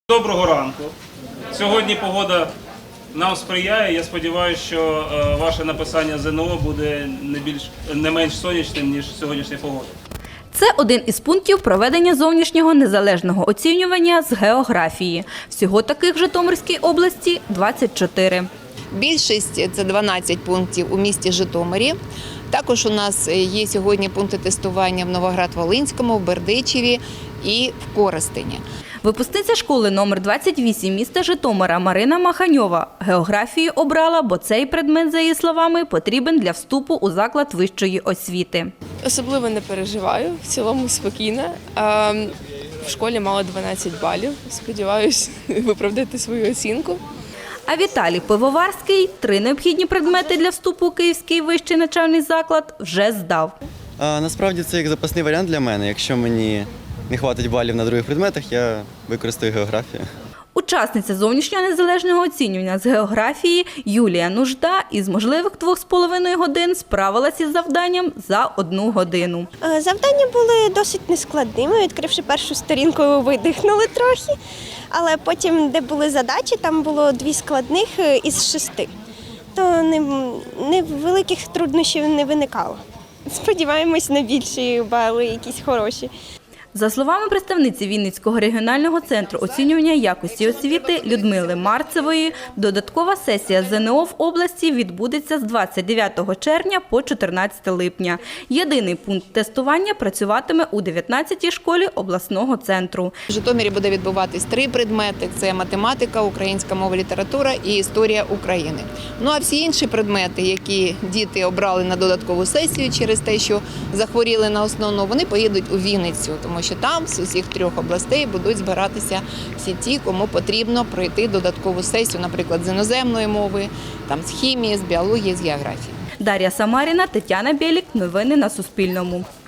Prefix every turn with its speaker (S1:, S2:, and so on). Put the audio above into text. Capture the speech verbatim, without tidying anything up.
S1: Доброго ранку. Сьогодні погода нам сприяє. Я сподіваюся, що ваше написання ЗНО буде не більш не менш сонячним, ніж сьогоднішня погода.
S2: Це один із пунктів проведення зовнішнього незалежного оцінювання з географії. Всього таких в Житомирській області – двадцять чотири.
S3: Більшість – це дванадцять пунктів у місті Житомирі. Також у нас є сьогодні пункти тестування в Новоград-Волинському, в Бердичеві і в Коростені.
S2: Випускниця школи номер двадцять вісім міста Житомира Марина Маханьова географію обрала, бо цей предмет, за її словами, потрібен для вступу у заклад вищої освіти.
S4: Особливо не переживаю, в цілому спокійна. В школі мала дванадцять балів. Сподіваюсь виправдати свою оцінку.
S2: А Віталій Пивоварський три необхідні предмети для вступу у Київський вищий навчальний заклад вже здав.
S5: А, насправді це як запасний варіант для мене. Якщо мені не хватить балів на других предметах, я використаю географію.
S2: Учасниця зовнішнього незалежного оцінювання з географії Юлія Нужда із можливих двох з половиною годин справилася із завданням за одну годину.
S6: Завдання були досить нескладними. Відкривши першу сторінку, видихнули трохи. Але потім, де були задачі, там було дві складних із шести. То не, не великих труднощів не виникало. Сподіваємось на більші бали, якісь хороші.
S2: За словами представниці Вінницького регіонального центру оцінювання якості освіти Людмили Марцевої, додаткова сесія ЗНО в області відбудеться з двадцять дев'ятого червня по чотирнадцяте липня. Єдиний пункт тестування працюватиме у дев'ятнадцятій школі обласного центру.
S3: В Житомирі буде відбуватись три предмети – це математика, українська мова, література і історія України. Ну а всі інші предмети, які діти обрали на додаткову сесію через те, що захворіли на основну, вони поїдуть у Вінницю, тому що там з усіх трьох областей будуть збиратися всі ті, кому потрібно пройти додаткову сесію, наприклад, з іноземної мови, там, з хімії, з біології, з географії.
S2: Дар'я Самаріна, Тетяна Бєлік. Новини на Суспільному.